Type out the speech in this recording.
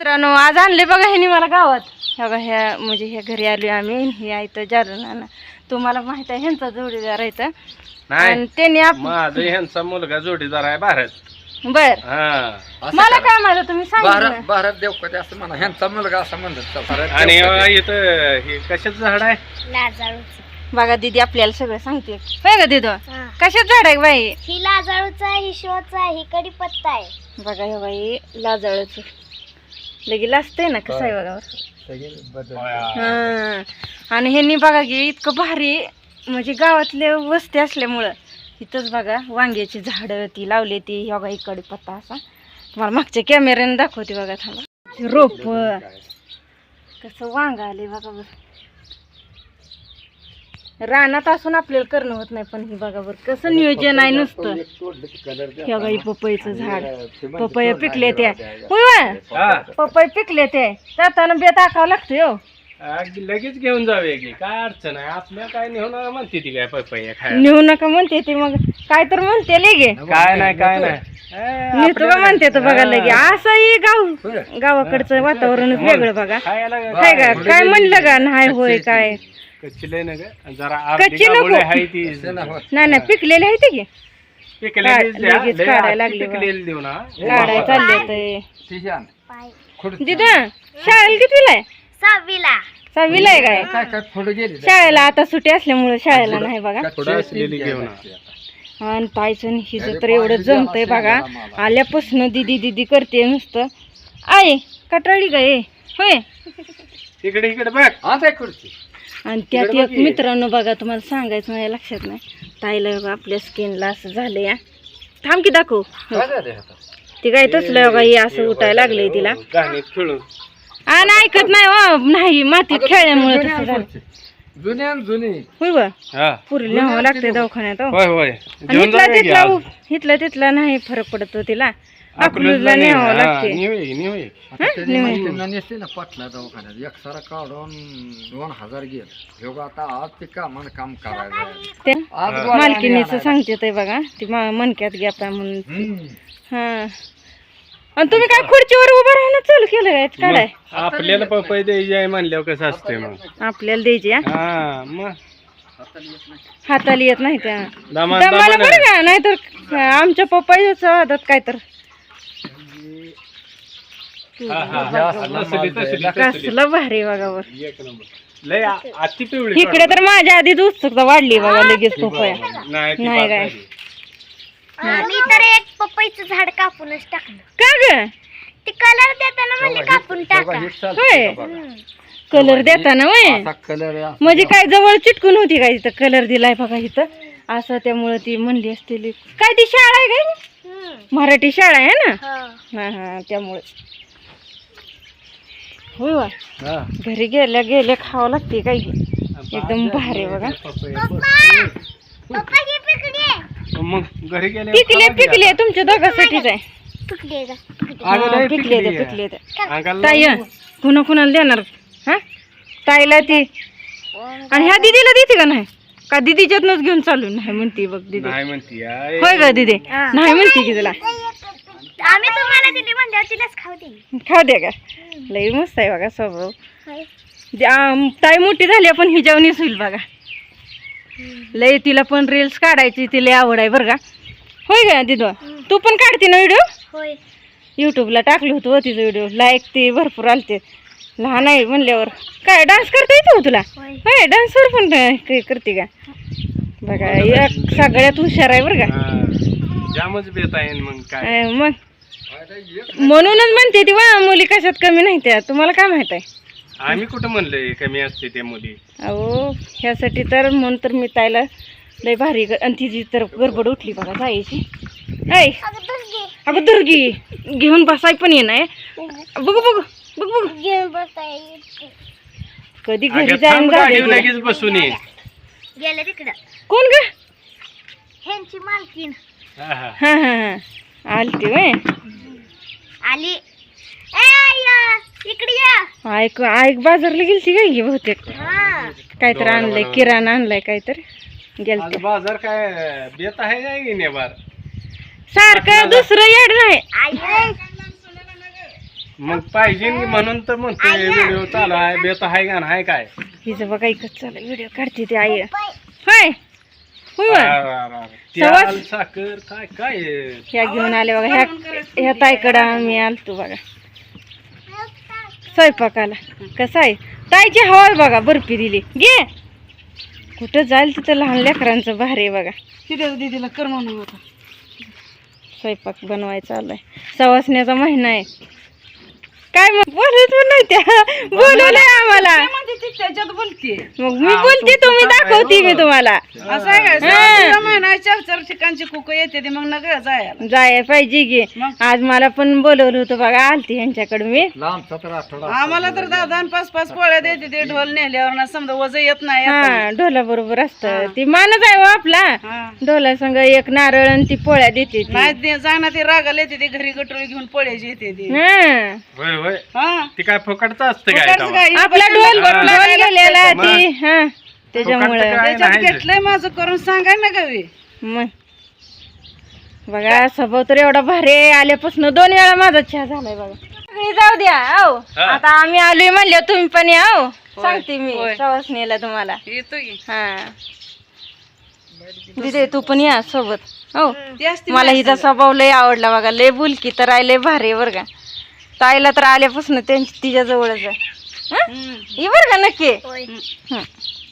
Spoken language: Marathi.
मित्रांनो आज आणले बघा ह्यानी मला गावात बघा ह्या म्हणजे ह्या घरी आलोय आम्ही हे आहे जालना तुम्हाला माहित आहे ह्यांचा जोडीदार आहे तर आणि त्यांनी माझा ह्यांचा मुलगा जोडीदार आहे भारत बर मला काय माहिती तुम्ही सांगितलं भारत देवकते असं म्हणा ह्यांचा मुलगा असं म्हणतात आणि इथं हे कशाचं झाड आहे लाजाळूचं बघा दीदी आपल्याला सगळं सांगते होय का दीदो कशाच झाड आहे बाई ही लाजाळूचा आहे, ही शिवाचा आहे, ही कडीपत्ता आहे. बघा हे बाई लाजाळच लगे लाजतंय ना कसं आहे बघा हा आणि ह्यांनी बघा की इतकं भारी म्हणजे गावातले वस्ती असल्यामुळं इथंच बघा वांग्याची झाडं ती लावली ती बघा ही कडीपत्ता असा तुम्हाला मागच्या कॅमेऱ्याने दाखवते बघा थांबा रोप कसं वांग आले बघा बरं रानात असून आपल्याला करणं होत नाही पण ही बघा बरं कसं नियोजन आहे नुसतं हे बघा ही पपईचं झाड पपई पिकले त्या पपई पिकले ते जाताना बे टाकावं लागतं हो लगेच घेऊन जाऊया की काय अडचण आहे आपल्या काय नेऊ नका म्हणते ती काय पपई खायला नेऊ नका म्हणते ती मग काय तर म्हणते लगे काय नाही नेतो का म्हणते तर बघा लगे असंही गावाकडचं वातावरणच वेगळं बघा काय का काय म्हणलं का नाही होय काय कच्ची ना जरा कच्ची नको आहे ती नाही पिकलेले आहे ते लगेच काढायला लागले देऊ ना काढायला चालले पाय तिथं शाळेला कितवीला आहे 6वीला. 6वीला आहे काय काय काय पुढे गेली शाळेला आता सुट्टी असल्यामुळे शाळेला नाही बघा थोडं असलेली घेऊन आणि ताईचं हिचं तर एवढं जमतंय बघा आल्यापासून दिदी दिदी करते नुसतं आहे कटाळी काय होय इकडे बघ आता खुर्ची आणि त्यात एक मित्रांनो बघा तुम्हाला सांगायचं माझ्या लक्षात नाही ताईला बघा आपल्या स्किनला असं झालं या थांब की दाखव ती काय तसलं बघा हे असं उठायला लागलंय तिला गाणीत खेळून आणि ऐकत नाही हो नाही मातीत खेळल्यामुळे तसं झालं जुनी होय बा पुरी न्यावं लागते दवाखान्यात हो. होय होय आणि इथला तिथला नाही फरक पडतो तिला अकलूजला न्यावं लागते नसते ना पटला दवाखान्यात एक सारा काढून 2000 गेल ह्यो आता आज ते काम करायचं मालकीनीच सांगते ते बघा ती मनक्यात घ्या म्हणून हा आणि तुम्ही काय खुर्चीवर उभं राहणं चालू केलं काय काढाय आपल्याला पपई द्यायची आहे म्हणल्यावर कसं असते मग आपल्याला द्यायची हा मग हाताला येत नाही त्या दमानं दमाला बरं का नाहीतर आमच्या पप्पाच्या हातात काय तर कसलं भारी बघा वर एक नंबर लय अति पिवळी इकडे तर माझ्या आधीच उत्सुकता वाढली बघा लगेच पपया नाही काय मी तर एक पपईचं झाड कापूनच टाकलं का ग ते कलर देताना म्हणले कापून टाका होय कलर देताना वय कलर म्हणजे काय जवळ चिटकून होती काय तिथं कलर दिलाय बघा इथं असं त्यामुळे ती म्हणली असतील काय ती शाळा आहे काय मराठी शाळा आहे ना हा त्यामुळे होय वा घरी गेल्या खावं लागते काय एकदम भारी बघा मग घरी गेले पिकले तुमच्या दोघांसाठीच आहे पिकले ताई कुणाला देणार हा ताईला ती आणि ह्या दीदीला देते का नाही का दीदीच्यातनच घेऊन चालू नाही म्हणते बघ दीदी नाही म्हणती होय का दीदी नाही म्हणते की तुला आम्ही तुम्हाला दिली म्हणजे तिलाच खाऊ दिली खाऊ दे का लई मस्त आहे बघा स्वभाव ताई मोठी झाली पण ही जेवणीच होईल बघा लई तिला पण रील्स काढायची तिला आवड आहे बरं का होय का दिदो तू पण काढते ना व्हिडिओ होय युट्यूबला टाकलं होतं तिचं व्हिडिओ लाईक ते भरपूर आलते लहान आहे म्हणल्यावर काय डान्स करता येतो तुला होय डान्सवर पण करते का बघा एक सगळ्यात हुशार आहे बरं का जामच बेत आहे मग काय मग म्हणूनच म्हणते ती वा मुली कशात कमी नाही त्या तुम्हाला काय माहित आहे आम्ही कुठं म्हणलंय कमी असते त्या मुली अहो ह्यासाठी तर म्हणून तर मी ताईला लय भारी आणि तिची तर गडबड उठली बघा जायची ऐ अगं दुर्गी घेऊन बसाय पण ये नाही बघू बघू बघ बघ घेऊन बसताय कधी घरी जाईन लगेच बसून ये गेले तिकडं कोण ग ह्यांची मालकीन हा हा हा आलती वय आली ए आया इकडे या ऐक बाजारला गेलती काय गे बहुतेक हा काहीतरी आणलंय किराणा आणलाय काहीतरी गेलते बाजार काय बेत आहे काय घेणे बार सारखं दुसरं येड नाही आई मग पाहिजे म्हणून तर म्हणतोय व्हिडिओ चालू आहे बेत आहे का नाही काय हिचं बघा इकडं चालू व्हिडिओ काढते ते आई होय होय तेल साखर काय काय ह्या घेऊन आले बघा ह्या ताईकडं आम्ही आलतो बघा स्वयंपाकाला कसं आहे ताईची हवा बघा बर्फी दिली घे कुठं जाईल तिथं लहान लेकरांचं भारी आहे बघा तिथे दिदीला कर म्हणून होता स्वयंपाक बनवायचा आलाय सवासण्याचा महिना आहे काय मग बोलत पण नाही त्या बोलवलंय आम्हाला त्याच्यात बोलते मग मी बोलते तुम्ही दाखवते मी तुम्हाला असं आहे का महिना 4 ठिकाणची कुक येते ते मग नका जायला जाय पाहिजे की आज मला पण बोलवलं होतं बघा आलती ह्यांच्याकडे मी लांबचा तर आठवडा आम्हाला तर 10-5 पोळ्या देते ते ढोल नेल्यावर ना समजा वज येत नाही हा ढोला बरोबर असतं ती मानच आहे हो आपला हा. ढोला संग एक नारळ आणि ती पोळ्या देते ती. नाही जाणार ते रागाला येते ते घरी गटोळी घेऊन पोळ्याची येते ते हा. होय होय हा ती काय फुकटचं असतं काय फुकटचं तेव्हा? काय? आपला ढोल ढोल गेलेला मग. ती हा त्याच्यामुळं फुकटचं काय त्याच्यात नाही. घेतलंय माझं करून सांगाय ना गावी मग बघा स्वभाव तर एवढा भारी आहे. आल्यापासून 2 वेळा माझा चहा झालाय बघा तुम्ही जाऊ द्या हो हा. आता आम्ही आलोय म्हणले तुम्ही पण या हो सांगते मी होय. सवासणीला तुम्हाला येतो की हा दिदे तू पण या सोबत हो ती असते मला हिचा स्वभाव लय आवडला बघा लय बुलकी तर आहे लय भारी आहे बरं का ताईला तर आल्यापासून त्यांची तिच्या जवळच आहे ही बरं का नक्की होय. हं.